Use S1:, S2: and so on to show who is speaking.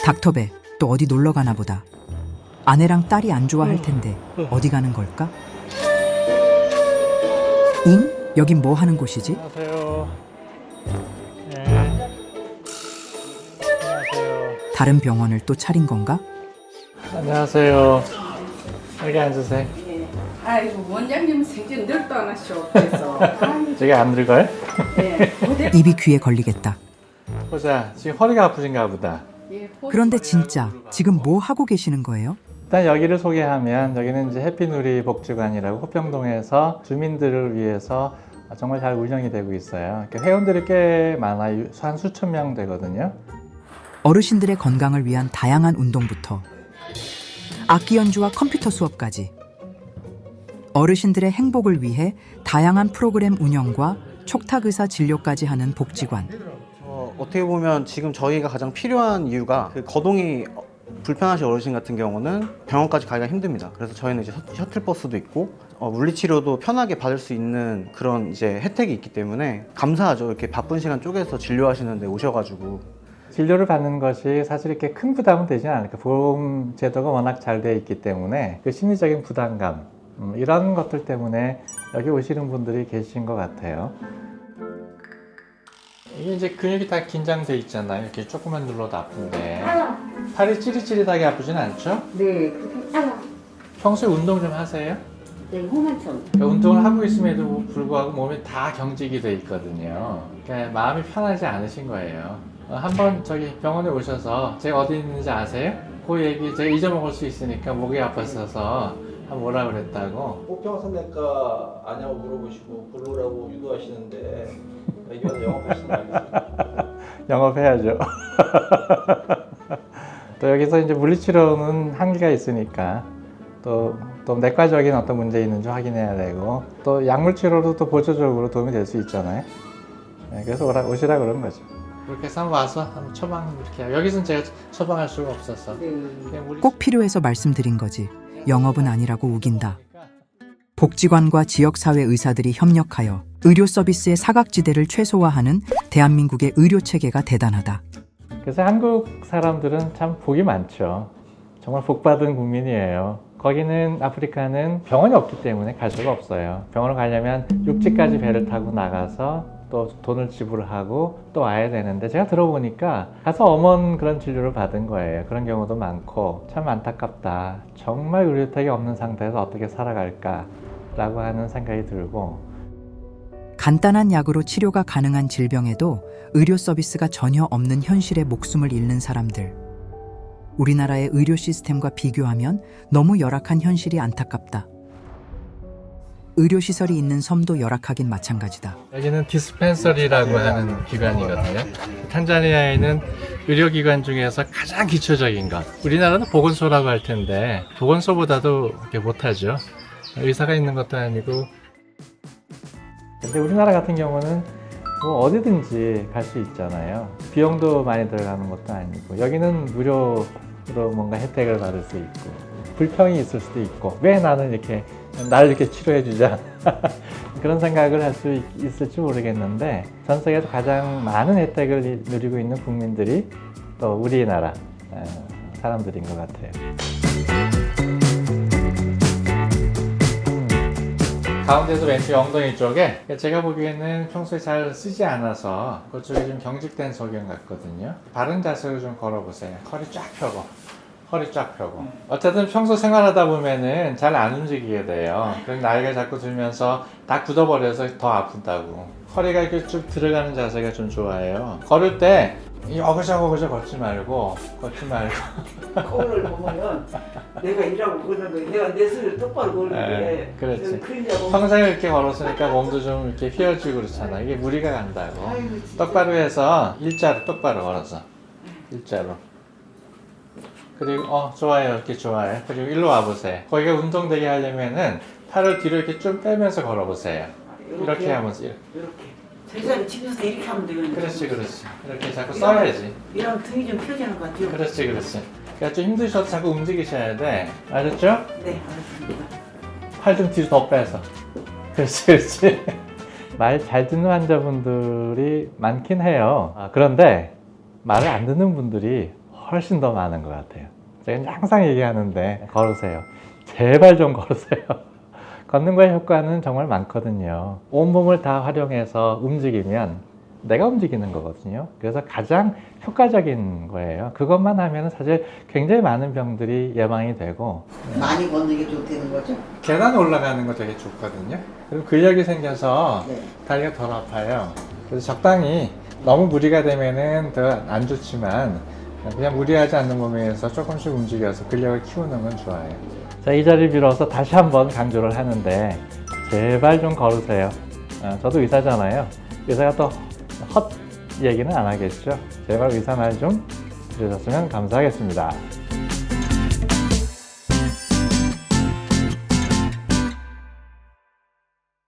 S1: 닥터배 또 어디 놀러 가나 보다. 아내랑 딸이 안 좋아할 텐데 어디 가는 걸까? 잉? 여긴 뭐 하는 곳이지?
S2: 안녕하세요. 네. 안녕하세요.
S1: 다른 병원을 또 차린 건가?
S2: 안녕하세요. 여기 앉으세요.
S3: 아이고 원장님 생전 늘도 안 하셔. 그래서
S2: 저기 안 늙어요?
S1: 입이 귀에 걸리겠다.
S2: 보자. 지금 허리가 아프신가 보다.
S1: 그런데 진짜 지금 뭐 하고 계시는 거예요?
S2: 일단 여기를 소개하면 여기는 이제 해피누리 복지관이라고 호평동에서 주민들을 위해서 정말 잘 운영이 되고 있어요. 회원들이 꽤 많아요. 한 수천 명 되거든요.
S1: 어르신들의 건강을 위한 다양한 운동부터 악기 연주와 컴퓨터 수업까지 어르신들의 행복을 위해 다양한 프로그램 운영과 촉탁의사 진료까지 하는 복지관.
S4: 어떻게 보면 지금 저희가 가장 필요한 이유가 그 거동이 불편하신 어르신 같은 경우는 병원까지 가기가 힘듭니다. 그래서 저희는 이제 셔틀버스도 있고 물리치료도 편하게 받을 수 있는 그런 이제 혜택이 있기 때문에 감사하죠. 이렇게 바쁜 시간 쪼개서 진료하시는데 오셔가지고.
S2: 진료를 받는 것이 사실 이렇게 큰 부담은 되지는 않을까. 보험 제도가 워낙 잘 되어 있기 때문에 그 심리적인 부담감 이런 것들 때문에 여기 오시는 분들이 계신 것 같아요. 이게 이제 근육이 다 긴장돼 있잖아요. 이렇게 조금만 눌러도 아픈데 팔이 찌릿찌릿하게 아프진 않죠?
S3: 네, 그렇게
S2: 평소에 운동 좀 하세요?
S3: 네, 홍한천.
S2: 운동을 하고 있음에도 불구하고 몸이 다 경직이 돼 있거든요. 그러니까 마음이 편하지 않으신 거예요. 한번 저기 병원에 오셔서 제가 어디 있는지 아세요? 그 얘기 제가 잊어먹을 수 있으니까 목이 아팠어서 한번 뭐라 그랬다고.
S5: 호평선내과 아냐고 물어보시고 부르라고 유도하시는데 이건 영업하시는 아니죠?
S2: 영업해야죠. 또 여기서 이제 물리치료는 한계가 있으니까 또 내과적인 어떤 문제 있는지 확인해야 되고 또 약물치료도 또 보조적으로 도움이 될 수 있잖아요. 네, 그래서 오시라 그런 거죠. 그렇게 해서 한번 와서 한번 처방 이렇게 해요. 여기서는 제가 처방할 수가 없어서
S1: 꼭 필요해서 말씀드린 거지. 영업은 아니라고 우긴다. 복지관과 지역사회 의사들이 협력하여 의료 서비스의 사각지대를 최소화하는 대한민국의 의료체계가 대단하다.
S2: 그래서 한국 사람들은 참 복이 많죠. 정말 복받은 국민이에요. 거기는 아프리카는 병원이 없기 때문에 갈 수가 없어요. 병원을 가려면 육지까지 배를 타고 나가서 또 돈을 지불하고 또 와야 되는데 제가 들어보니까 가서 엄한 그런 진료를 받은 거예요. 그런 경우도 많고 참 안타깝다. 정말 의료 혜택이 없는 상태에서 어떻게 살아갈까 라고 하는 생각이 들고
S1: 간단한 약으로 치료가 가능한 질병에도 의료 서비스가 전혀 없는 현실에 목숨을 잃는 사람들. 우리나라의 의료 시스템과 비교하면 너무 열악한 현실이 안타깝다. 의료시설이 있는 섬도 열악하긴 마찬가지다.
S2: 여기는 디스펜서리라고 하는 기관이거든요. 탄자니아에는 의료기관 중에서 가장 기초적인 것. 우리나라는 보건소라고 할 텐데 보건소보다도 그렇게 못하죠. 의사가 있는 것도 아니고. 근데 우리나라 같은 경우는 뭐 어디든지 갈 수 있잖아요. 비용도 많이 들어가는 것도 아니고 여기는 무료로 뭔가 혜택을 받을 수 있고 불평이 있을 수도 있고 왜 나는 이렇게 나를 이렇게 치료해 주자 그런 생각을 할 수 있을지 모르겠는데 전 세계에서 가장 많은 혜택을 누리고 있는 국민들이 또 우리나라 사람들인 것 같아요. 가운데서 왼쪽 엉덩이 쪽에 제가 보기에는 평소에 잘 쓰지 않아서 그쪽이 좀 경직된 소견 같거든요. 바른 자세로 좀 걸어보세요. 허리 쫙 펴고 어쨌든 평소 생활하다 보면은 잘 안 움직이게 돼요. 그럼 나이가 자꾸 들면서 다 굳어버려서 더 아프다고. 허리가 이렇게 쭉 들어가는 자세가 좀 좋아요. 걸을 때 어그저그저 걷지 말고
S6: 거울을 보면 내가 일하고 그러는데 내가 내 손을 똑바로 걸는데
S2: 그렇지.
S6: 그러냐고.
S2: 평생 이렇게 걸었으니까 몸도 좀 이렇게 휘어지고 그렇잖아. 이게 무리가 간다고.
S6: 아이고, 진짜.
S2: 똑바로 해서 일자로 똑바로 걸어서 일자로. 그리고 좋아요. 이렇게 좋아요. 그리고 일로 와보세요. 거기가 운동되게 하려면은 팔을 뒤로 이렇게 좀 빼면서 걸어보세요. 이렇게 하면서
S6: 이렇게 제자리 집에서 이렇게 하면 되거든요.
S2: 그렇지. 이렇게 자꾸 써야지.
S6: 이런 등이 좀 펴지는 것 같아요.
S2: 그렇지. 그러니까 좀 힘드셔도 자꾸 움직이셔야 돼. 알았죠?
S6: 네, 알겠습니다.
S2: 팔 좀 뒤로 더 빼서. 그렇지. 말 잘 듣는 환자분들이 많긴 해요. 그런데 말을 안 듣는 분들이 훨씬 더 많은 것 같아요. 제가 항상 얘기하는데 걸으세요. 제발 좀 걸으세요. 걷는 거의 효과는 정말 많거든요. 온몸을 다 활용해서 움직이면 내가 움직이는 거거든요. 그래서 가장 효과적인 거예요. 그것만 하면 사실 굉장히 많은 병들이 예방이 되고
S6: 많이 걷는 게 좋다는 거죠?
S2: 계단 올라가는 거 되게 좋거든요. 그리고 근력이 생겨서
S6: 네.
S2: 다리가 덜 아파요. 그래서 적당히 너무 무리가 되면은 더 안 좋지만 그냥 무리하지 않는 몸에서 조금씩 움직여서 근력을 키우는 건 좋아요. 자, 이 자리 빌어서 다시 한번 강조를 하는데 제발 좀 걸으세요. 저도 의사잖아요. 의사가 또 헛 얘기는 안 하겠죠. 제발 의사 말 좀 들으셨으면 감사하겠습니다.